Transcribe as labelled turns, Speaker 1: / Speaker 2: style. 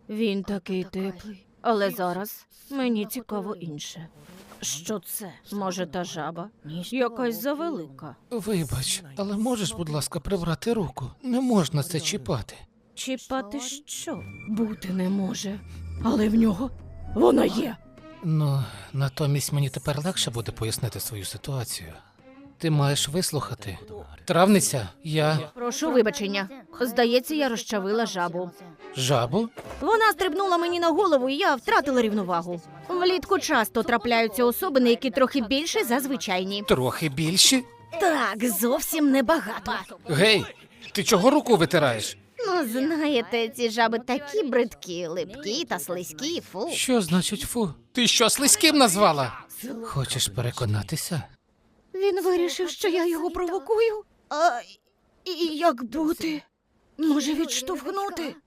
Speaker 1: Він такий теплий. Але зараз мені цікаво інше. Що це? Може, та жаба? Якась завелика.
Speaker 2: Вибач, але можеш, будь ласка, прибрати руку? Не можна це чіпати.
Speaker 1: Чіпати що? Бути не може. Але в нього вона є.
Speaker 2: Ну, натомість мені тепер легше буде пояснити свою ситуацію. Ти маєш вислухати. Травниця, я
Speaker 1: Прошу вибачення. Здається, я розчавила жабу.
Speaker 2: жабу?
Speaker 1: Вона стрибнула мені на голову, і я втратила рівновагу. Влітку часто трапляються особини, які трохи більше за звичайні.
Speaker 2: Трохи більші?
Speaker 1: Так, зовсім небагато.
Speaker 2: Гей, ти чого руку витираєш?
Speaker 1: Ну, знаєте, ці жаби такі бридкі, липкі та слизькі, фу.
Speaker 2: Що значить фу? Ти що, слизьким назвала? Хочеш переконатися?
Speaker 1: Він вирішив, що я його провокую? А і як бути? Може, відштовхнути?